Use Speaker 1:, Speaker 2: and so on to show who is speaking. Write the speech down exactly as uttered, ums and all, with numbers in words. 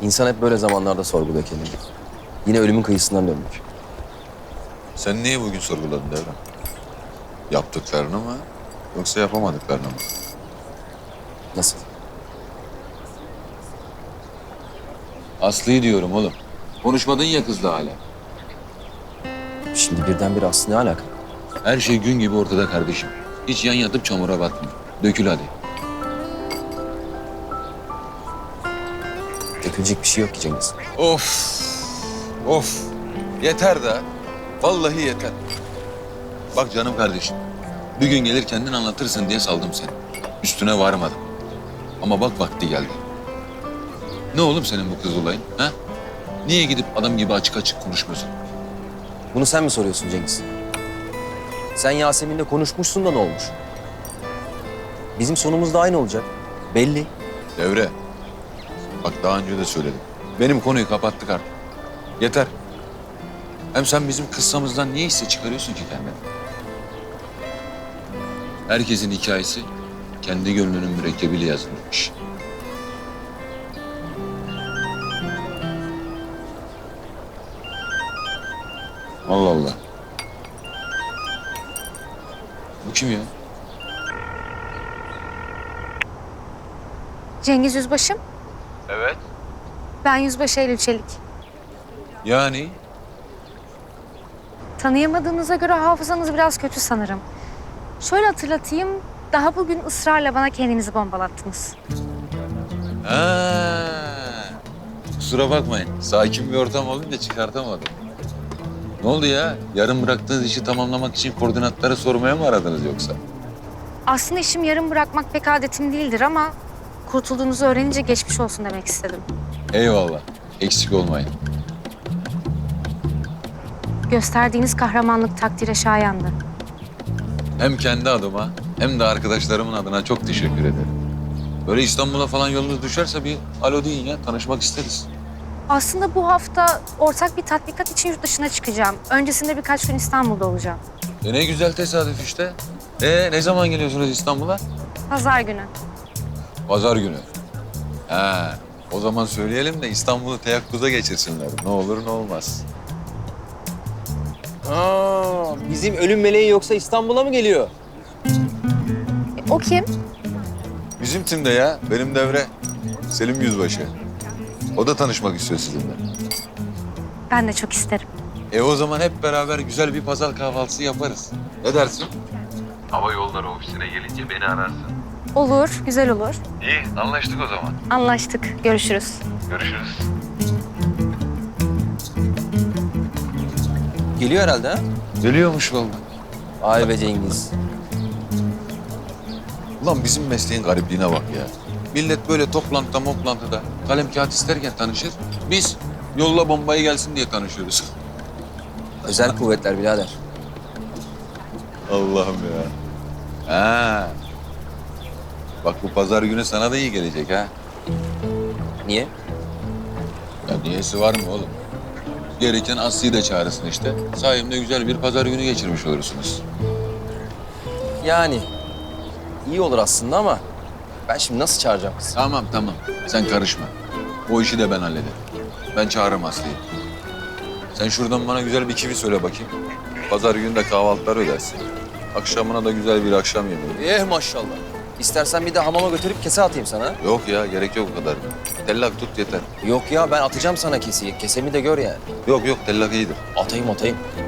Speaker 1: İnsan hep böyle zamanlarda sorguluyor kendini. Yine ölümün kıyısından döndük.
Speaker 2: Sen niye bugün sorguladın Devrem? Yaptıklarını mı yoksa yapamadıklarını mı?
Speaker 1: Nasıl?
Speaker 3: Aslı'yı diyorum oğlum. Konuşmadın ya kızla hala.
Speaker 1: Şimdi birdenbire Aslı ne alaka?
Speaker 3: Her şey gün gibi ortada kardeşim. Hiç yan yatıp çamura batma. Dökül hadi.
Speaker 1: Dökülecek bir şey yok ki Cengiz.
Speaker 2: Of, of. Yeter de. Vallahi yeter.
Speaker 3: Bak canım kardeşim. Bir gün gelir kendin anlatırsın diye saldım seni. Üstüne varmadım. Ama bak vakti geldi. Ne oğlum senin bu kız olayın? Ha? Niye gidip adam gibi açık açık konuşmuyorsun?
Speaker 1: Bunu sen mi soruyorsun Cengiz? Sen Yasemin'le konuşmuşsun da ne olmuş? Bizim sonumuz da aynı olacak. Belli.
Speaker 2: Devre. Bak daha önce de söyledim.
Speaker 3: Benim konuyu kapattık artık. Yeter. Hem sen bizim kıssamızdan niye hisse çıkarıyorsun ki kendine? Herkesin hikayesi kendi gönlünün mürekkebiyle yazılmış. Allah Allah. Bu kim ya?
Speaker 4: Cengiz Yüzbaşım.
Speaker 2: Evet.
Speaker 4: Ben Yüzbaşı Eylül Çelik.
Speaker 3: Yani
Speaker 4: Tanıyamadığınıza göre hafızanız biraz kötü sanırım. Şöyle hatırlatayım, daha bugün ısrarla bana kendinizi bombalattınız.
Speaker 3: Ha. Kusura bakmayın. Sakin bir ortam olunca çıkartamadım. Ne oldu ya? Yarım bıraktığınız işi tamamlamak için koordinatları sormaya mı aradınız yoksa?
Speaker 4: Aslında işim yarım bırakmak pek adetim değildir ama kurtulduğunuzu öğrenince geçmiş olsun demek istedim.
Speaker 3: Eyvallah. Eksik olmayın.
Speaker 4: Gösterdiğiniz kahramanlık takdire şayandı.
Speaker 3: Hem kendi adıma hem de arkadaşlarımın adına çok teşekkür ederim. Böyle İstanbul'a falan yolunuz düşerse bir alo deyin ya. Tanışmak isteriz.
Speaker 4: Aslında bu hafta ortak bir tatbikat için yurt dışına çıkacağım. Öncesinde birkaç gün İstanbul'da olacağım.
Speaker 3: E ne güzel tesadüf işte. E ne zaman geliyorsunuz İstanbul'a?
Speaker 4: Pazar günü.
Speaker 3: Pazar günü. Ha, o zaman söyleyelim de İstanbul'u teyakkuza geçirsinler. Ne olur ne olmaz.
Speaker 1: Aa, bizim ölüm meleği yoksa İstanbul'a mı geliyor?
Speaker 4: E, o kim?
Speaker 2: Bizim timde ya. Benim Devre. Selim Yüzbaşı. O da tanışmak istiyor sizinle.
Speaker 4: Ben de çok isterim.
Speaker 3: E o zaman hep beraber güzel bir pazar kahvaltısı yaparız. Ne dersin?
Speaker 5: Hava yolları ofisine gelince beni ararsın.
Speaker 4: Olur, güzel olur.
Speaker 5: İyi, anlaştık o zaman.
Speaker 4: Anlaştık. Görüşürüz.
Speaker 5: Görüşürüz.
Speaker 1: Geliyor herhalde ha?
Speaker 3: Geliyormuş vallahi.
Speaker 1: Ay be Cengiz.
Speaker 3: Ulan bizim mesleğin garipliğine bak ya. Millet böyle toplantıda moplantıda kalem kağıt isterken tanışır. Biz yolla bombayı gelsin diye tanışıyoruz.
Speaker 1: Özel kuvvetler birader.
Speaker 3: Allah'ım ya. Ha. Bak bu pazar günü sana da iyi gelecek ha.
Speaker 1: Niye?
Speaker 3: Ya niyesi var mı oğlum? Gereken Aslı'yı da çağırırsın işte. Sayemde güzel bir pazar günü geçirmiş olursunuz.
Speaker 1: Yani iyi olur aslında ama ben şimdi nasıl çağıracağım kızı?
Speaker 3: Tamam tamam. Sen karışma. O işi de ben hallederim. Ben çağırırım Aslı'yı. Sen şuradan bana güzel bir kivi söyle bakayım.
Speaker 2: Pazar günü de kahvaltılar ödersin. Akşamına da güzel bir akşam yemeği.
Speaker 1: Eh maşallah. İstersen bir de hamama götürüp kese atayım sana.
Speaker 2: Yok ya gerek yok o kadar. Tellak tut yeter.
Speaker 1: Yok ya ben atacağım sana keseyi. Kesemi de gör yani.
Speaker 2: Yok yok tellak iyidir.
Speaker 1: Atayım atayım.